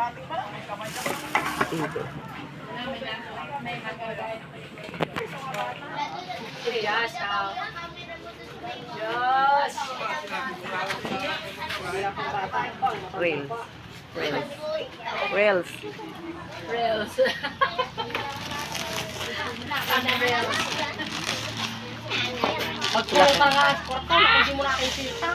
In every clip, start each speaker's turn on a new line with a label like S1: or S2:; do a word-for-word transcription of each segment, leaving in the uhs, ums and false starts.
S1: Ito.
S2: Yes,
S1: Rails. Rails. Rails.
S2: Reels. Pagpuro ka nga, korta, hindi mo na kayo sita.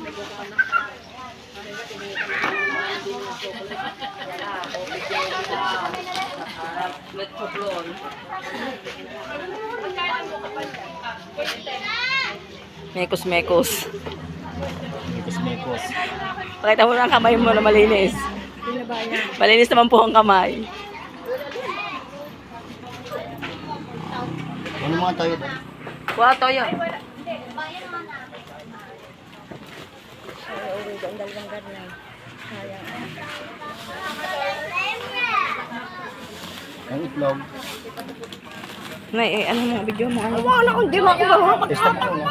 S1: Mekos, mekos.
S3: Mekos, mekos.
S1: Pakita mo na ang kamay mo na malinis. Malinis naman po ang kamay.
S3: Ano mga tayo doon?
S1: Kuha toyo.
S3: Ang itlog.
S1: Nay, eh, ano mo, video mo? Ano? Wala akong di mo ako marunong.
S3: Testa mo na.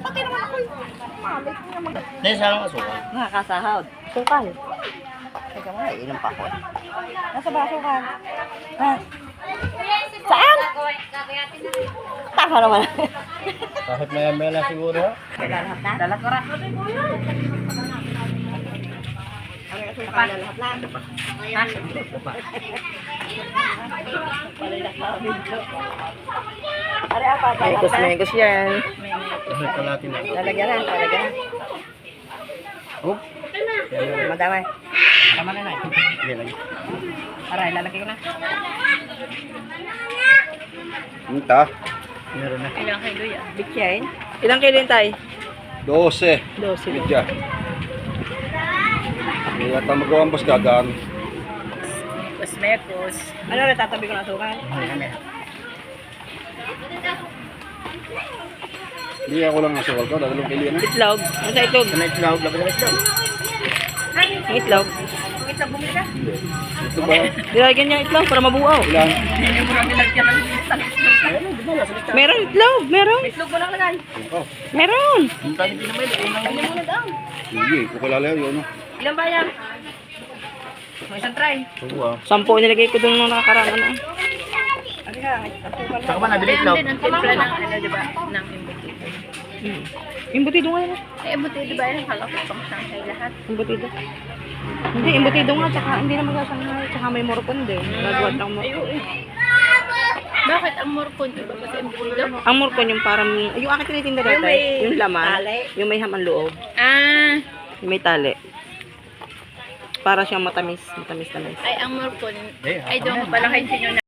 S3: Nay, saan ang asukal?
S1: Nakakasahod. Sukal. Teka mo, inom pa ako. Nasa ba sukal? Ha? Saan? Taka naman.
S3: Kahit maya maya na siguro.
S1: Lahat na? Dalat ko rin. Ang asukal na lahat na. Ha? Are apa? Mekos, mekos yan.
S3: Kahit kalatin na.
S1: Lalagyan na, lalagyan na.
S3: Oh?
S1: Madamay. Tama na na.
S3: Hindi lagi.
S1: Aray, lalagay ko na.
S3: Minta. Meron na.
S2: Ilang kilo yan?
S1: Bityain. Ilang kilo yun tayo?
S3: Dose.
S1: Dose.
S3: Bidya. Kaya tama gawang bas gagaan.
S2: Mekos, mekos.
S1: Ano rin, tatabi ko na sukan?
S3: Hindi ako lang asukal ko. Dadalong kilo na.
S1: Itlog. Ano sa itlog?
S3: Sa itlog. Laban sa itlog.
S1: Ang itlog.
S2: Itlog bumili ka?
S3: Ito ba?
S1: Nilagyan niya itlog para mabuaw.
S3: Ilan?
S2: Hindi mo lang nilagyan ng isang itlog.
S3: Ayun, di ba? Nasa itlog.
S1: Meron itlog, meron.
S2: Itlog mo lang lagay.
S3: Oh.
S1: Meron.
S3: Ang tayo din naman.
S2: Hindi mo na daw.
S3: Sige, kukulala yun.
S2: Ilan ba yan? May isang try.
S3: Oo ah.
S1: Sampo nilagay ko doon nung nakakaraan. Ano? Ano ka?
S3: Saka ba nabili
S2: Ayan
S3: itlog?
S2: din ang timpla ng ano, di ba? Ng embutido.
S1: Hmm. Imbutido nga yan.
S2: Ay, embutido ba yan? Kala ko pang sangkay lahat.
S1: Imbutido. Hindi, imbutido nga. Tsaka hindi na magsasanay. Tsaka may morcon din. Nagawad ng morcon.
S2: Bakit ang morcon? Iba ba sa embutido?
S1: Ang morcon yung parang, yung akin tinitinda
S2: Yung
S1: dati,
S2: may
S1: yung laman,
S2: tali.
S1: yung may haman loob,
S2: Ah,
S1: yung may tali. Para siyang matamis, matamis-tamis.
S2: ay ang morcon.
S3: Eh,
S2: Ay, doon ko pala kayo sinyo